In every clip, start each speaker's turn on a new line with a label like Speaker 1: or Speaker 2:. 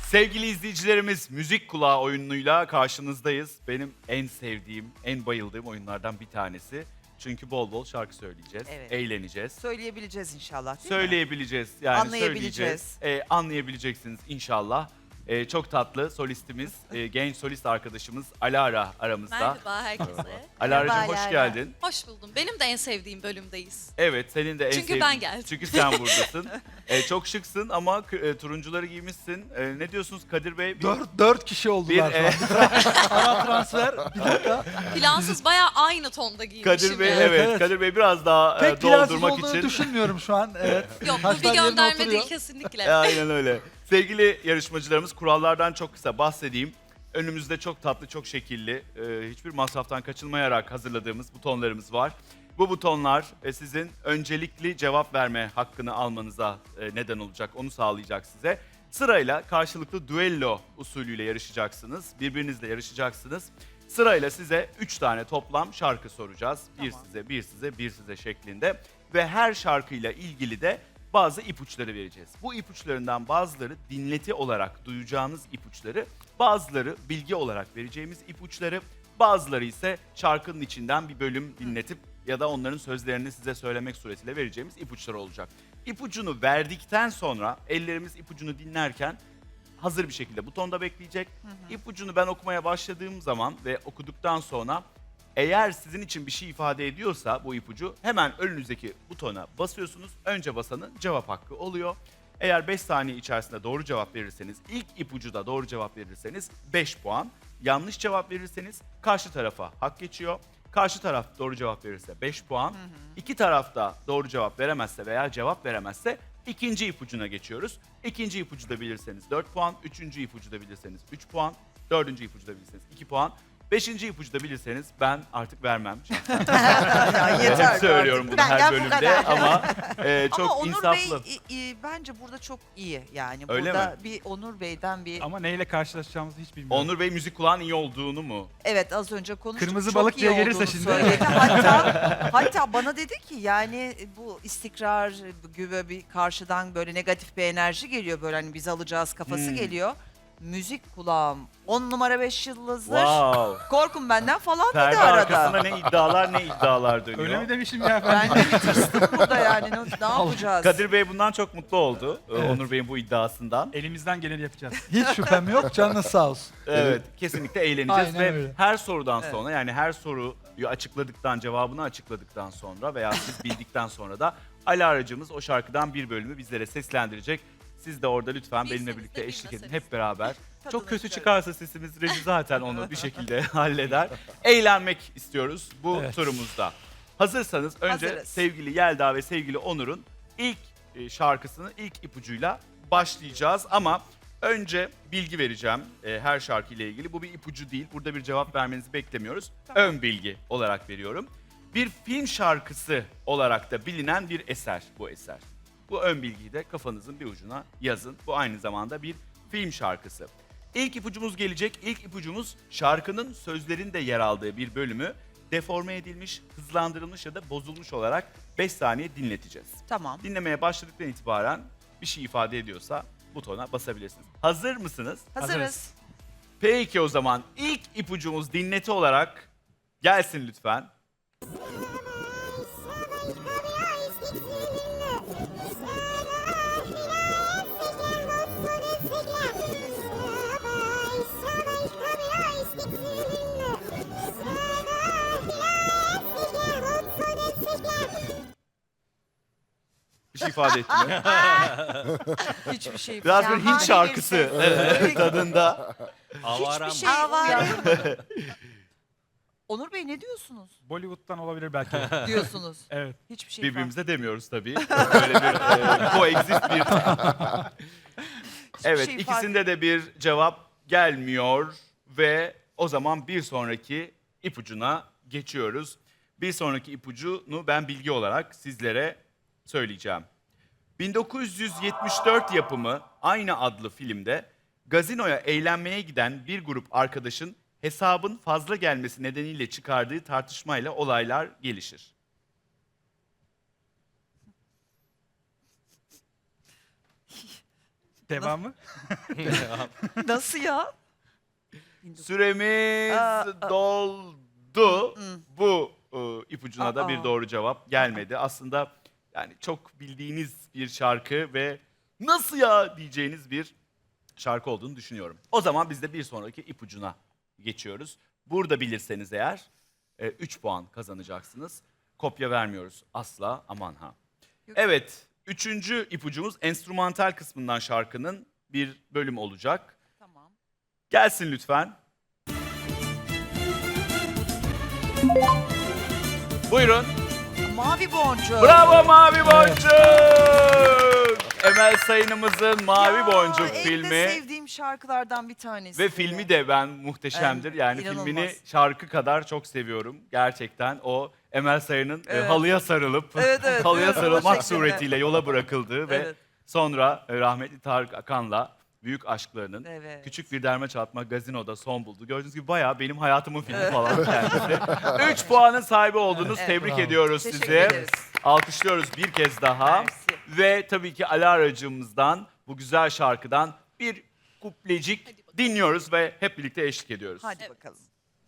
Speaker 1: Sevgili izleyicilerimiz, Müzik Kulağı oyunuyla karşınızdayız. Benim en sevdiğim, en bayıldığım oyunlardan bir tanesi. Çünkü bol bol şarkı söyleyeceğiz,
Speaker 2: Evet.
Speaker 1: eğleneceğiz.
Speaker 2: Söyleyebileceğiz inşallah değil mi?
Speaker 1: Söyleyebileceğiz, yani
Speaker 2: Anlayabileceğiz.
Speaker 1: söyleyeceğiz. Anlayabileceksiniz inşallah. Çok tatlı solistimiz, genç solist arkadaşımız Alara aramızda.
Speaker 3: Merhaba herkese.
Speaker 1: Alara'cığım
Speaker 2: Merhaba
Speaker 1: hoş
Speaker 2: Alara.
Speaker 1: geldin.
Speaker 3: Hoş buldum. Benim de en sevdiğim bölümdeyiz.
Speaker 1: Evet, senin de en
Speaker 3: Çünkü
Speaker 1: sevdiğin...
Speaker 3: ben geldim.
Speaker 1: Çünkü sen buradasın. Çok şıksın ama turuncuları giymişsin. Ne diyorsunuz Kadir Bey?
Speaker 4: Dört kişi oldular şu an. Ara transfer. Bir dakika.
Speaker 3: Plansız bayağı aynı tonda giymişim.
Speaker 1: Kadir Bey,
Speaker 3: yani.
Speaker 1: evet,
Speaker 4: Evet.
Speaker 1: Kadir Bey biraz daha
Speaker 4: Pek plansız
Speaker 1: doldurmak
Speaker 4: olduğunu
Speaker 1: için.
Speaker 4: düşünmüyorum şu an. Evet.
Speaker 3: Yok bu
Speaker 4: Taşlar
Speaker 3: bir
Speaker 4: yerine
Speaker 3: gönderme
Speaker 4: oturuyor.
Speaker 3: değil kesinlikle.
Speaker 1: Aynen öyle. Sevgili yarışmacılarımız, kurallardan çok kısa bahsedeyim. Önümüzde çok tatlı, çok şekilli, hiçbir masraftan kaçınmayarak hazırladığımız butonlarımız var. Bu butonlar sizin öncelikli cevap verme hakkını almanıza neden olacak, onu sağlayacak size. Sırayla karşılıklı düello usulüyle yarışacaksınız, birbirinizle yarışacaksınız. Sırayla size 3 tane toplam şarkı soracağız. Bir
Speaker 2: Tamam.
Speaker 1: size, bir size, bir size şeklinde. Ve her şarkıyla ilgili de bazı ipuçları vereceğiz. Bu ipuçlarından bazıları dinleti olarak duyacağınız ipuçları, bazıları bilgi olarak vereceğimiz ipuçları, bazıları ise şarkının içinden bir bölüm dinletip ya da onların sözlerini size söylemek suretiyle vereceğimiz ipuçları olacak. İpucunu verdikten sonra ellerimiz ipucunu dinlerken hazır bir şekilde butonda bekleyecek. İpucunu ben okumaya başladığım zaman ve okuduktan sonra eğer sizin için bir şey ifade ediyorsa bu ipucu hemen önünüzdeki butona basıyorsunuz. Önce basanın cevap hakkı oluyor. Eğer 5 saniye içerisinde doğru cevap verirseniz, ilk ipucuda doğru cevap verirseniz 5 puan. Yanlış cevap verirseniz karşı tarafa hak geçiyor. Karşı taraf doğru cevap verirse 5 puan. İki taraf da doğru cevap veremezse veya cevap veremezse ikinci ipucuna geçiyoruz. İkinci ipucuda bilirseniz 4 puan, üçüncü ipucuda bilirseniz 3 puan, dördüncü ipucuda bilirseniz 2 puan. Beşinci ipucuda bilirseniz ben artık vermem.
Speaker 2: Ya yeter.
Speaker 1: Hep söylüyorum bunu
Speaker 2: Benden
Speaker 1: her
Speaker 2: bu
Speaker 1: bölümde
Speaker 2: kadar.
Speaker 1: ama çok
Speaker 2: Ama Onur
Speaker 1: insaflı.
Speaker 2: Bey bence burada çok iyi. Yani
Speaker 1: Öyle
Speaker 2: burada
Speaker 1: mi?
Speaker 2: bir Onur Bey'den bir...
Speaker 5: Ama neyle karşılaşacağımızı hiç bilmiyorum.
Speaker 1: Onur Bey müzik kulağın iyi olduğunu mu?
Speaker 2: Evet az önce konuştuk.
Speaker 5: Kırmızı
Speaker 2: çok
Speaker 5: balık
Speaker 2: iyi
Speaker 5: diye gelirse
Speaker 2: olduğunu
Speaker 5: şimdi.
Speaker 2: söyledi. Hatta bana dedi ki yani bu istikrar gibi bir karşıdan böyle negatif bir enerji geliyor. Böyle hani biz alacağız kafası geliyor. Müzik kulağım 10 numara 5 yıldızdır.
Speaker 1: Wow.
Speaker 2: Korkun benden falan dedi
Speaker 1: Perde
Speaker 2: arada.
Speaker 1: arkasında ne iddialar dönüyor.
Speaker 5: Öyle mi demişim ya
Speaker 2: Ben de bir tırstım burada yani ne yapacağız?
Speaker 1: Kadir Bey bundan çok mutlu oldu. Onur Bey'in bu iddiasından.
Speaker 5: Elimizden geleni yapacağız.
Speaker 4: Hiç şüphem yok. Canınız sağ olsun.
Speaker 1: Evet, kesinlikle eğleneceğiz
Speaker 4: Aynen
Speaker 1: ve
Speaker 4: öyle.
Speaker 1: her sorudan sonra yani her soruyu açıkladıktan, cevabını açıkladıktan sonra veya siz bildikten sonra da Alara'cığımız o şarkıdan bir bölümü bizlere seslendirecek. Siz de orada lütfen
Speaker 3: Bilseniz
Speaker 1: benimle
Speaker 3: de
Speaker 1: birlikte eşlik edin
Speaker 3: bilmeseniz.
Speaker 1: hep beraber.
Speaker 2: Tadını
Speaker 1: Çok kötü
Speaker 2: çıkarın.
Speaker 1: çıkarsa sesimiz reji zaten onu bir şekilde halleder. Eğlenmek istiyoruz bu
Speaker 4: Evet.
Speaker 1: turumuzda. Hazırsanız önce
Speaker 2: Hazırız.
Speaker 1: sevgili Yelda ve sevgili Onur'un ilk şarkısını ilk ipucuyla başlayacağız ama önce bilgi vereceğim her şarkı ile ilgili. Bu bir ipucu değil. Burada bir cevap vermenizi beklemiyoruz. Ön bilgi olarak veriyorum. Bir film şarkısı olarak da bilinen bir eser bu eser. Bu ön bilgiyi de kafanızın bir ucuna yazın. Bu aynı zamanda bir film şarkısı. İlk ipucumuz gelecek. İlk ipucumuz şarkının sözlerinde yer aldığı bir bölümü deforme edilmiş, hızlandırılmış ya da bozulmuş olarak 5 saniye dinleteceğiz.
Speaker 2: Tamam.
Speaker 1: Dinlemeye başladıktan itibaren bir şey ifade ediyorsa butona basabilirsiniz. Hazır mısınız?
Speaker 2: Hazırız.
Speaker 1: Peki o zaman ilk ipucumuz dinleti olarak gelsin lütfen. Bir şey ifade etti mi?
Speaker 2: Hiçbir şey.
Speaker 1: Biraz
Speaker 2: Yani
Speaker 1: bir Hint
Speaker 2: hali
Speaker 1: şarkısı
Speaker 2: gelirse-
Speaker 1: tadında.
Speaker 2: Hiçbir şey uyandırmadı. Onur Bey ne diyorsunuz?
Speaker 5: Bollywood'dan olabilir belki.
Speaker 2: Diyorsunuz.
Speaker 5: Evet.
Speaker 2: Hiçbir şey
Speaker 1: Birbirimize demiyoruz tabii. Böyle bir coexist bir... Evet,
Speaker 2: şey ifade-
Speaker 1: ikisinde de bir cevap gelmiyor ve o zaman bir sonraki ipucuna geçiyoruz. Bir sonraki ipucunu ben bilgi olarak sizlere söyleyeceğim. 1974 yapımı aynı adlı filmde gazinoya eğlenmeye giden bir grup arkadaşın hesabın fazla gelmesi nedeniyle çıkardığı tartışmayla olaylar gelişir.
Speaker 5: Devamı?
Speaker 2: Nasıl ya?
Speaker 1: Süremiz
Speaker 2: Aa.
Speaker 1: doldu. Bu ipucuna da
Speaker 2: Aa.
Speaker 1: bir doğru cevap gelmedi. Aslında yani çok bildiğiniz bir şarkı ve nasıl ya diyeceğiniz bir şarkı olduğunu düşünüyorum. O zaman biz de bir sonraki ipucuna geçiyoruz. Burada bilirseniz eğer 3 puan kazanacaksınız. Kopya vermiyoruz asla, aman ha.
Speaker 2: Yok.
Speaker 1: Evet, üçüncü ipucumuz enstrümantal kısmından şarkının bir bölüm olacak.
Speaker 2: Tamam.
Speaker 1: Gelsin lütfen. Buyurun.
Speaker 2: Mavi Boncuk.
Speaker 1: Bravo Mavi Boncuk! Emel Sayın'ımızın Mavi
Speaker 2: Ya,
Speaker 1: Boncuk
Speaker 2: en de
Speaker 1: filmi.
Speaker 2: sevdiğim şarkılardan bir tanesi.
Speaker 1: Ve filmi de ben muhteşemdir. Yani
Speaker 2: İnanılmaz.
Speaker 1: filmini şarkı kadar çok seviyorum. Gerçekten o Emel Sayın'ın
Speaker 2: Evet.
Speaker 1: halıya sarılıp
Speaker 2: Evet,
Speaker 1: halıya
Speaker 2: evet, o
Speaker 1: sarılmak
Speaker 2: şekilde.
Speaker 1: suretiyle yola bırakıldığı ve
Speaker 2: Evet.
Speaker 1: sonra rahmetli Tarık Akan'la büyük aşklarının
Speaker 2: Evet.
Speaker 1: küçük bir derme çatma gazinoda son buldu. Gördüğünüz gibi bayağı benim hayatımın filmi falan kendisi. 3 puanın sahibi oldunuz.
Speaker 2: Evet.
Speaker 1: Tebrik
Speaker 4: Bravo.
Speaker 1: ediyoruz
Speaker 2: Teşekkür
Speaker 1: sizi.
Speaker 2: ederiz.
Speaker 1: Alkışlıyoruz bir kez daha.
Speaker 2: Mersi.
Speaker 1: Ve tabii ki Alara'cığımızdan bu güzel şarkıdan bir kuplecik dinliyoruz ve hep birlikte eşlik ediyoruz.
Speaker 2: Hadi
Speaker 3: Evet.
Speaker 2: bakalım.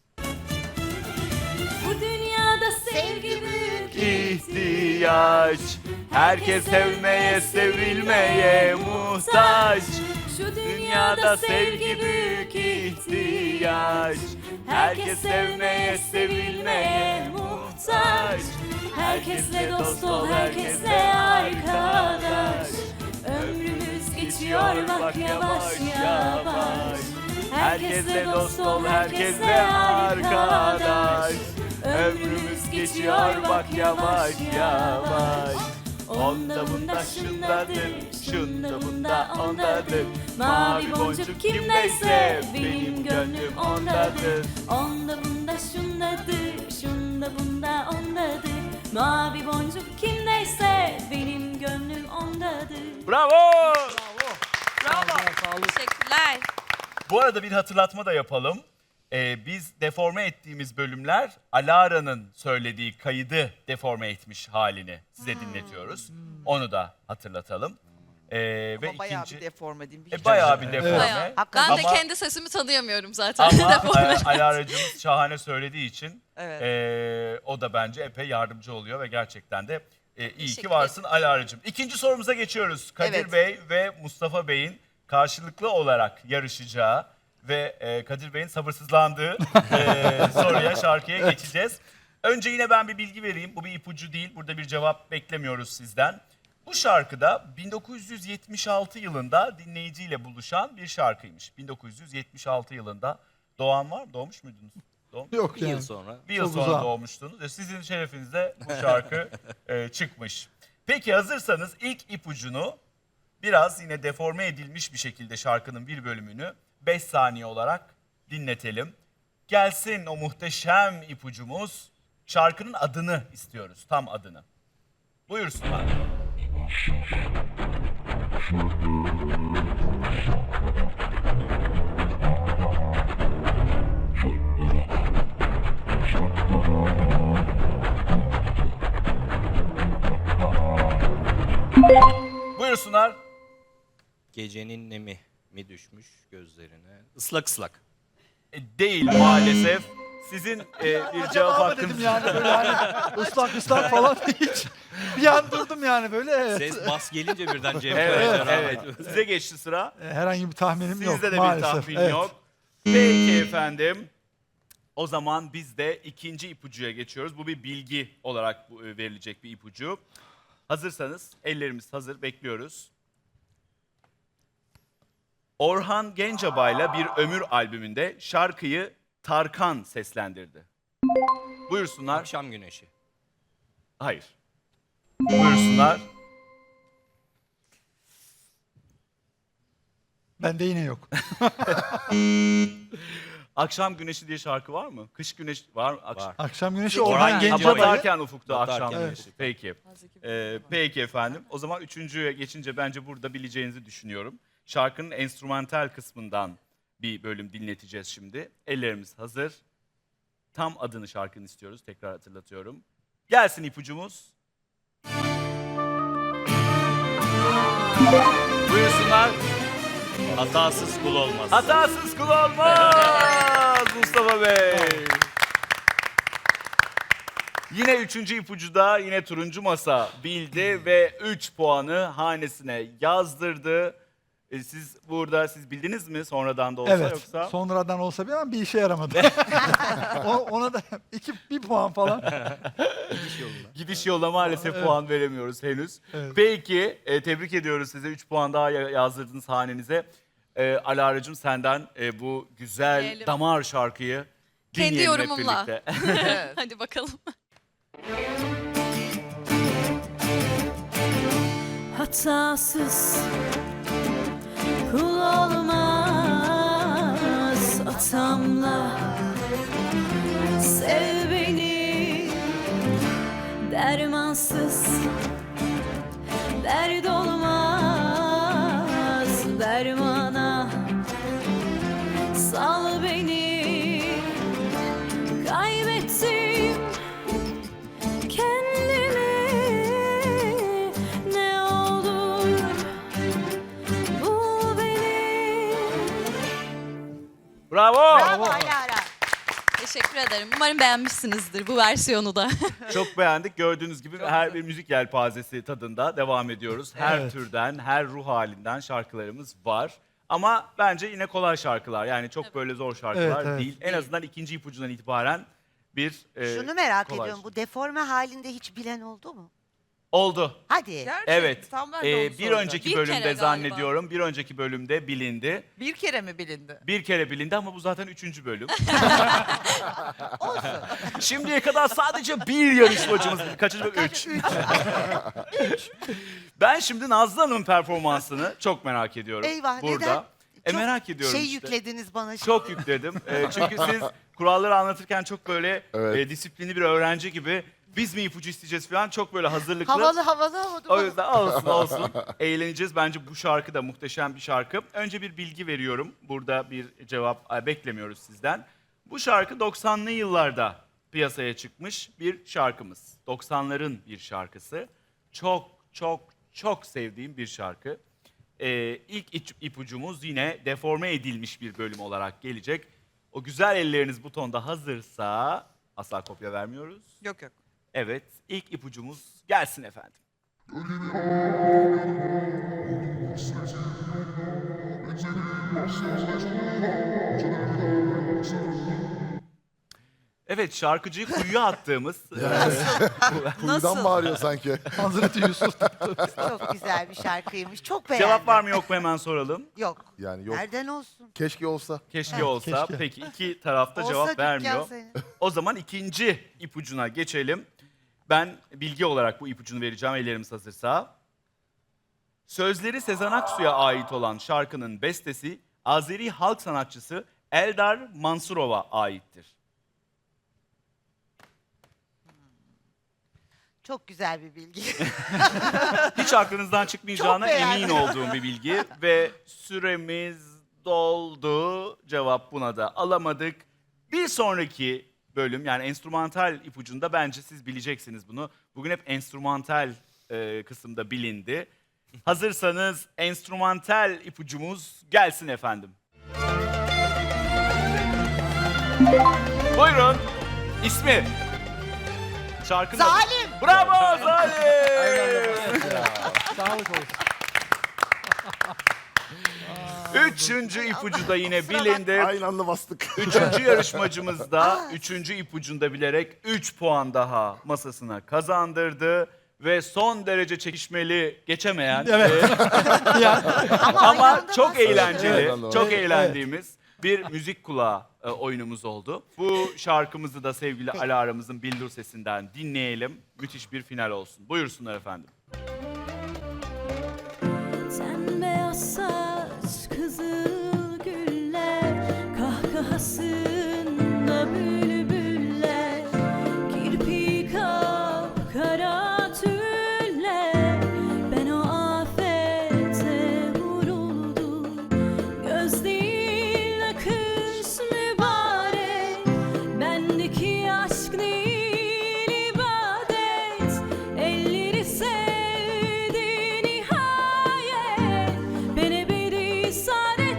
Speaker 6: Bu dünyada sevgi büyük
Speaker 1: İhtiyaç, herkes sevmeye, sevilmeye muhtaç.
Speaker 6: Şu
Speaker 1: Dünyada sevgi büyük ihtiyaç, herkes sevmeye, sevilmeye muhtaç.
Speaker 6: Herkesle dost ol, herkesle arkadaş. Ömrümüz geçiyor bak yavaş yavaş.
Speaker 1: Herkesle dost ol, herkesle arkadaş. Ömrümüz geçiyor bak yavaş yavaş. Onda bunda şundadır, şunda bunda ondadır.
Speaker 6: Mavi boncuk kimdeyse benim gönlüm ondadır. Onda bunda şundadır, şunda bunda ondadır. Mavi boncuk kimdeyse benim gönlüm ondadır.
Speaker 1: Bravo!
Speaker 3: Teşekkürler.
Speaker 1: Bu arada bir hatırlatma da yapalım. Biz deforme ettiğimiz bölümler Alara'nın söylediği kaydı deforme etmiş halini size dinletiyoruz. Onu da hatırlatalım. Ve
Speaker 2: Ama bayağı
Speaker 1: ikinci...
Speaker 2: bir deforme değil mi?
Speaker 1: bayağı bir deforme.
Speaker 3: Bayağı.
Speaker 2: Hakikaten.
Speaker 3: Ben de
Speaker 1: Ama-
Speaker 3: kendi sesimi tanıyamıyorum zaten.
Speaker 1: Ama
Speaker 3: Deforme.
Speaker 1: Alara'cığımız şahane söylediği için
Speaker 2: Evet.
Speaker 1: o da bence epey yardımcı oluyor ve gerçekten de iyi ki
Speaker 3: Teşekkür
Speaker 1: varsın Alara'cığım. İkinci sorumuza geçiyoruz. Kadir
Speaker 2: Evet.
Speaker 1: Bey ve Mustafa Bey'in karşılıklı olarak yarışacağı ve Kadir Bey'in sabırsızlandığı soruya, şarkıya geçeceğiz. Önce yine ben bir bilgi vereyim. Bu bir ipucu değil. Burada bir cevap beklemiyoruz sizden. Bu şarkıda 1976 yılında dinleyiciyle buluşan bir şarkıymış. 1976 yılında doğan var mı? Doğmuş muydunuz?
Speaker 4: Yok
Speaker 7: Bir
Speaker 4: yani.
Speaker 7: yıl sonra.
Speaker 1: Bir yıl
Speaker 4: Çok
Speaker 1: sonra
Speaker 4: uzak.
Speaker 1: doğmuştunuz ve sizin şerefinize bu şarkı çıkmış. Peki hazırsanız ilk ipucunu biraz yine deforme edilmiş bir şekilde şarkının bir bölümünü 5 saniye olarak dinletelim. Gelsin o muhteşem ipucumuz. Şarkının adını istiyoruz, tam adını. Buyursunlar. Buyursunlar.
Speaker 7: Gecenin nemi mi düşmüş gözlerine? Islak ıslak.
Speaker 1: Değil maalesef. Sizin bir cevap
Speaker 4: Ama
Speaker 1: hakkınız
Speaker 4: dedim yani böyle hani ıslak falan hiç. Bir an durdum yani böyle. Evet.
Speaker 7: Ses bas gelince birden Cem
Speaker 1: Evet,
Speaker 7: Karaca'ya
Speaker 1: evet.
Speaker 7: rahmet.
Speaker 1: Size geçti sıra.
Speaker 4: Herhangi bir tahminim yok
Speaker 1: Sizde de
Speaker 4: maalesef.
Speaker 1: bir tahmin
Speaker 4: Evet.
Speaker 1: yok. Peki efendim. O zaman biz de ikinci ipucuya geçiyoruz. Bu bir bilgi olarak verilecek bir ipucu. Hazırsanız ellerimiz hazır, bekliyoruz. Orhan Gencebay'la Bir Ömür albümünde şarkıyı Tarkan seslendirdi. Buyursunlar.
Speaker 7: Akşam güneşi.
Speaker 1: Hayır. Buyursunlar.
Speaker 4: Bende yine yok.
Speaker 1: Akşam Güneşi diye şarkı var mı? Kış Güneşi var mı?
Speaker 7: Var.
Speaker 4: Akşam güneşi
Speaker 7: Orhan
Speaker 4: Orhan
Speaker 1: Ama
Speaker 4: Gencebay'ı.
Speaker 1: batarken ufukta
Speaker 7: Batarken,
Speaker 1: akşam
Speaker 7: evet.
Speaker 1: güneşi. Peki. Peki efendim. O zaman üçüncüye geçince bence burada bileceğinizi düşünüyorum. Şarkının enstrümantal kısmından bir bölüm dinleteceğiz şimdi. Ellerimiz hazır. Tam adını şarkının istiyoruz. Tekrar hatırlatıyorum. Gelsin ipucumuz. Buyursunlar.
Speaker 7: Hatasız kul olmaz.
Speaker 1: Hatasız kul olmaz Mustafa Bey. Yine 3. ipucuda yine turuncu masa bildi ve 3 puanı hanesine yazdırdı. Siz bildiniz mi sonradan da olsa
Speaker 4: Evet.
Speaker 1: yoksa?
Speaker 4: Sonradan olsa bir ama bir işe yaramadı. Ona da bir puan falan.
Speaker 1: Gidiş yoluna maalesef
Speaker 4: Evet.
Speaker 1: puan veremiyoruz henüz.
Speaker 4: Evet.
Speaker 1: Peki tebrik ediyoruz size. 3 puan daha yazdırdınız hanenize. Alara'cığım senden bu güzel
Speaker 3: Dinleyelim.
Speaker 1: damar şarkıyı
Speaker 3: Kendi
Speaker 1: dinleyelim hep
Speaker 3: yorumumla.
Speaker 1: birlikte.
Speaker 3: Hadi bakalım.
Speaker 6: Hatasız kul olmaz atamla. Sev beni dermansız, dert olmaz dermana. Sal beni, kaybettim kendimi. Ne olur bul beni.
Speaker 1: Bravo.
Speaker 2: Bravo Alara.
Speaker 3: Teşekkür ederim. Umarım beğenmişsinizdir bu versiyonu da.
Speaker 1: Çok beğendik. Gördüğünüz gibi her bir müzik yelpazesi tadında devam ediyoruz. Her
Speaker 4: Evet.
Speaker 1: türden, her ruh halinden şarkılarımız var. Ama bence yine kolay şarkılar. Yani çok böyle zor şarkılar
Speaker 4: Evet, evet.
Speaker 1: değil. En azından 2. ipucundan itibaren bir
Speaker 8: Şunu merak
Speaker 1: kolay.
Speaker 8: ediyorum. Bu deforme halinde hiç bilen oldu mu?
Speaker 1: Oldu.
Speaker 8: Hadi.
Speaker 2: Gerçekten,
Speaker 1: Evet.
Speaker 2: tam ben de onu
Speaker 1: Bir
Speaker 2: soracağım.
Speaker 1: önceki
Speaker 3: Bir
Speaker 1: bölümde
Speaker 3: kere galiba.
Speaker 1: zannediyorum. Bir önceki bölümde bilindi.
Speaker 2: Bir kere mi bilindi?
Speaker 1: Bir kere bilindi ama bu zaten 3. bölüm. Şimdiye kadar sadece bir yarışmacımız bildi. Kaçıncı bölüm? 3. Ben şimdi Nazlı Hanım'ın performansını çok merak ediyorum.
Speaker 8: Eyvah,
Speaker 1: burada.
Speaker 8: neden? Çok
Speaker 1: Merak ediyorum
Speaker 8: Şey
Speaker 1: işte.
Speaker 8: yüklediniz bana şimdi.
Speaker 1: Çok yükledim. Çünkü siz kuralları anlatırken çok böyle disiplinli bir öğrenci gibi biz mi ipucu isteyeceğiz falan çok böyle hazırlıklı.
Speaker 8: Havalı.
Speaker 1: O yüzden olsun. Eğleneceğiz. Bence bu şarkı da muhteşem bir şarkı. Önce bir bilgi veriyorum. Burada bir cevap beklemiyoruz sizden. Bu şarkı 90'lı yıllarda piyasaya çıkmış bir şarkımız. 90'ların bir şarkısı. Çok sevdiğim bir şarkı. İlk ipucumuz yine deforme edilmiş bir bölüm olarak gelecek. O güzel elleriniz butonda hazırsa asla kopya vermiyoruz.
Speaker 2: Yok.
Speaker 1: Evet, ilk ipucumuz gelsin efendim. Evet, şarkıcıyı kuyuya attığımız...
Speaker 9: Kuyudan bağırıyor sanki.
Speaker 4: Hazreti Yusuf.
Speaker 8: Çok güzel bir şarkıymış. Çok beğendim.
Speaker 1: Cevap var mı yok mu hemen soralım.
Speaker 8: Yok.
Speaker 9: Yani yok.
Speaker 8: Nereden olsun?
Speaker 9: Keşke olsa.
Speaker 1: Keşke olsa.
Speaker 4: keşke.
Speaker 1: Peki iki tarafta
Speaker 8: Olsa
Speaker 1: cevap
Speaker 8: dükkan
Speaker 1: vermiyor.
Speaker 8: senin.
Speaker 1: O zaman ikinci ipucuna geçelim. Ben bilgi olarak bu ipucunu vereceğim ellerimiz hazırsa. Sözleri Sezen Aksu'ya ait olan şarkının bestesi Azeri halk sanatçısı Eldar Mansurov'a aittir.
Speaker 8: Çok güzel bir bilgi.
Speaker 1: Hiç aklınızdan çıkmayacağına
Speaker 8: Çok beğendim.
Speaker 1: emin olduğum bir bilgi ve süremiz doldu. Cevap buna da alamadık. Bir sonraki bölüm yani enstrümantal ipucunda bence siz bileceksiniz bunu. Bugün hep enstrümantal kısımda bilindi. Hazırsanız enstrümantal ipucumuz gelsin efendim. Buyurun. İsmi. Şarkının adı-
Speaker 8: Zalim.
Speaker 1: Bravo Zalim.
Speaker 4: Sağlık olsun.
Speaker 1: Üçüncü ipucu da yine bilindi.
Speaker 9: Aynı anda bastık.
Speaker 1: Üçüncü yarışmacımız da üçüncü ipucunda bilerek 3 puan daha masasına kazandırdı. Ve son derece çekişmeli geçemeyen
Speaker 4: Evet.
Speaker 8: Ama aynı
Speaker 1: ama
Speaker 8: anda
Speaker 1: çok
Speaker 8: basıyor.
Speaker 1: eğlenceli,
Speaker 9: Evet,
Speaker 1: çok
Speaker 4: evet.
Speaker 1: eğlendiğimiz bir müzik kulağı oyunumuz oldu. Bu şarkımızı da sevgili Alara'mızın Bildur sesinden dinleyelim. Müthiş bir final olsun. Buyursunlar efendim.
Speaker 6: Sen beyaz saç kızıl güller, kahkahasında bülbüller, kirpi kapkara tüller. Ben o afete vuruldum, göz değil akış mübarek. Bendeki aşk değil ibadet, elleri sevdi nihayet. Ben ebedi saadet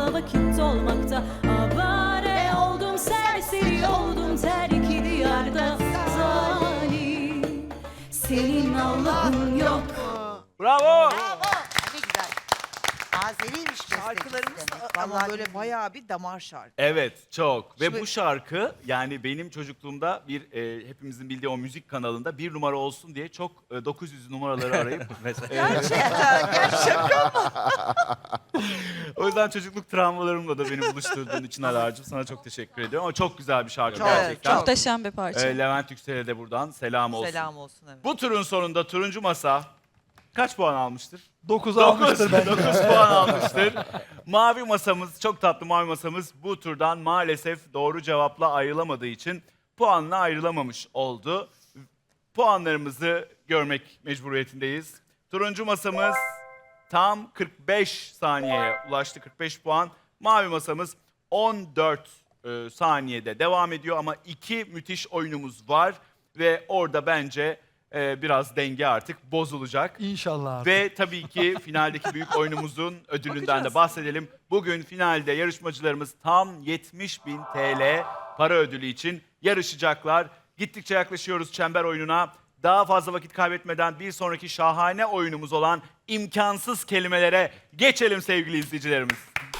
Speaker 6: Onunla vakit olmakta avare oldum, serseri oldum, terk diyarda zalim. Senin Allah'ın yok.
Speaker 1: Bravo!
Speaker 8: Bravo. Ne güzel. Azeriymiş
Speaker 2: Şarkılarımız
Speaker 8: demek.
Speaker 2: da ama
Speaker 8: Vallahi
Speaker 2: böyle
Speaker 8: billahi.
Speaker 2: bayağı bir damar şarkı.
Speaker 1: Evet, çok. Ve
Speaker 2: Şimdi-
Speaker 1: bu şarkı yani benim çocukluğumda bir hepimizin bildiği o müzik kanalında bir numara olsun diye çok 900 numaraları arayıp
Speaker 2: Gerçekten.
Speaker 1: o yüzden çocukluk travmalarımla da beni buluşturduğun için Alar'cığım sana çok teşekkür ediyorum. Ama çok güzel bir şarkı
Speaker 2: Çok,
Speaker 1: gerçekten.
Speaker 2: çok.
Speaker 3: Muhteşem bir parça.
Speaker 1: Levent Yüksel'e de buradan selam olsun.
Speaker 2: Selam olsun evet.
Speaker 1: Bu turun sonunda turuncu masa kaç puan almıştır?
Speaker 4: 9 almıştır bence.
Speaker 1: 9 puan almıştır. Mavi masamız, çok tatlı mavi masamız bu turdan maalesef doğru cevapla ayrılamadığı için puanla ayrılamamış oldu. Puanlarımızı görmek mecburiyetindeyiz. Turuncu masamız tam 45 saniyeye ulaştı, 45 puan. Mavi masamız 14 saniyede devam ediyor ama 2 müthiş oyunumuz var ve orada bence biraz denge artık bozulacak.
Speaker 4: İnşallah abi.
Speaker 1: Ve tabii ki finaldeki büyük oyunumuzun ödülünden de
Speaker 2: Bakacağız.
Speaker 1: bahsedelim. Bugün finalde yarışmacılarımız tam 70.000 TL para ödülü için yarışacaklar. Gittikçe yaklaşıyoruz çember oyununa. Daha fazla vakit kaybetmeden bir sonraki şahane oyunumuz olan imkansız kelimelere geçelim sevgili izleyicilerimiz.